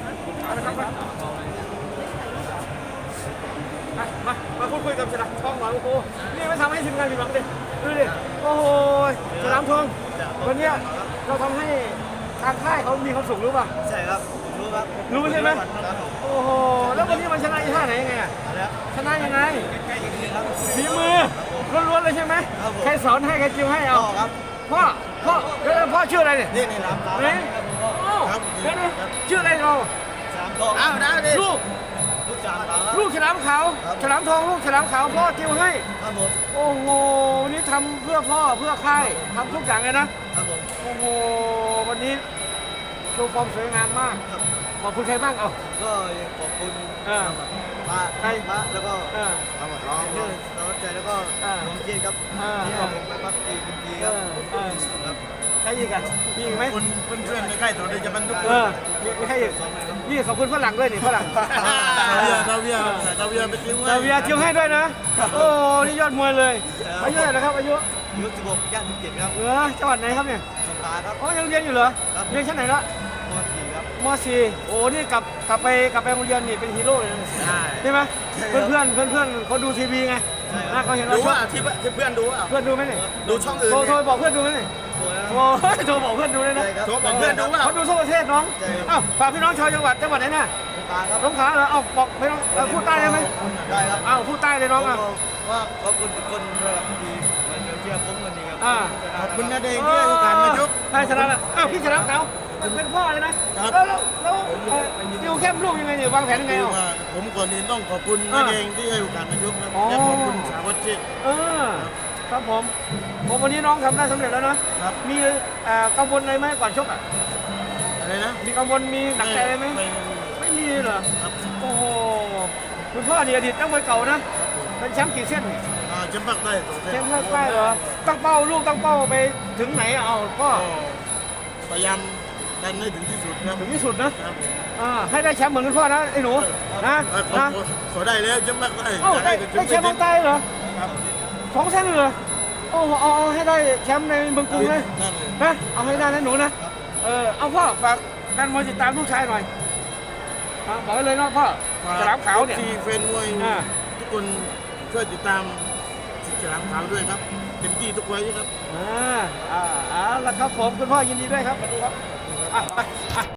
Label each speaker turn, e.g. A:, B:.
A: มาพูดคุยกับฉลามทองหน่อยโอ้โหนี่ไม่ทำให้ทีมงานผิดหวังดิดูดิโอ้โหฉลามทองวันนี้เราทำให้ทางค่ายเขามีความสุขรู้ป่ะ
B: ใช่ครับรู้ครับ
A: รู้ใช่ไหมโอ้โหแล้ววันนี้มันชนะท่าไหนยังไงชนะยังไงฝีมือล้วนๆเลยใช่ไหมใครสอนให้ใครจิ้มให้เอาพ่อชื่ออะไรเนี่ย
B: นี่รับ
A: นี่ชื่ออะไรเราลูกฉลามขาวฉลามทองลูกฉลามขาวพ่อจิ้มให้โอ้โหวันนี้ทำเพื่อพ่อเพื่อค่ายทำทุกอย่างเลยนะโอ้โหวันนี้โชว์ความสวยงามมากขอบคุณใครบ้างเอา
B: ก็ขอบคุณป้าแล้วก็ร้องน้องใจแล้วก็น้องเจนครับที่เอาผมไปพักทีครับ
A: ใช่ยังไงมีอีกไหม
B: เพื่อนในค่ายต่อเลยจะบรรทุก
A: ไม่ให้นี่ขอบคุณฝรั่งด้วยนี่ฝรั่ง
B: ซาเวียไปจิ้ม
A: ซาเวียจิ้มให้ด้วยนะโอ้นี่ยอดมวยเลยอายุเท่าไหร่นะครับอายุ
B: 16 ย่าง 17ครับ
A: จังหวัดไหนครับเนี่ย
B: สงขลาครับ
A: อ๋อยังเรียนอยู่เหรอเรียนชั้นไหนละ
B: ม.4 ครับ
A: ม.4โอ้นี่กลับไปโรงเรียนนี่เป็นฮีโร่เลยใช่ไหมเพื่อนเขาดูทีวีไงเขาเห็นเรา
B: ดูว่าที่เพื่อนดู
A: เพื่อนดูไหมเนี่ย
B: ดูช่องอื่น
A: โทรบอกเพื่อนดูไหมเนี่ยโทรบอกเพื่อนดูเลยนะ
B: โทรบอกเพื่อนดูว่า
A: เขาดูทั่วประเทศน้องอ้าวฝากพี่น้องชาวจังหวัดไหนน่ะสงขลาเหรอเอาบอกพี่น้องพูดใต้ได้ไหม
B: ได้ครับ
A: อ้าวพูดใต้เลยน้องอ่ะ
B: ว่าขอบคุณทุกคนที่มาเชียร์ผมวันนี้ครับขอบคุณนะเด็กที่ให้โอกาสมาชก
A: ใช่ชนะแล้วอ้าวพี่ชนะเขาเป็นพ่อเลยนะแล้วดิวเข้มลูกยังไงเนี่ยวางแผนยังไงอ่ะ
B: ผมก่อนอื่นต้องขอบคุณนะเด็กที่ให้โอกาสมาชกครับและขอบคุณสาววัชชิต
A: ครับผมวันนี้น้องทำได้สำเร็จแล้วนะมีกังวลอะไรไหมก่อนชกอ่ะ
B: อะไรนะ
A: มีกังวลมีหนักใจอะไรไหมไม่มีเหรอโอ้โหคุณพ่อนี่อดีตนักมวยเก่านะเป็นแชมป์กี่เส้น
B: แชมป์ภาคใต้
A: แชมป์ภาคใต้เหรอตั้งเป้าลูกตั้งเป้าไปถึงไหนเอาก็
B: พยายามดันให้ถึงที่สุดครับ
A: ถึงที่สุดนะให้ได้แชมป์เหมือนคุณพ่อนะไอ้หนูนะ
B: ขอได้แล้วแชมป์ภาคใต้
A: ได้แชมป์ภาคใต้เหรอ2 เส้นเหรอโอ้เอาให้ได้แชมป์ในเมืองกรุงเลยนะเอาให้ได้นะหนูนะเอาพ่อฝากแฟนมวยติดตามลูกชายหน่อยบอกเลยนะพ่อฉลามขาวเนี่ย
B: ที่แฟนมวยทุกคนช่วยติดตามฉลามขาวด้วยครับเต็มที่ทุกไว้ครับ
A: แล้วครับผมคุณพ่อยินดีด้วยครับสวัสดีครับ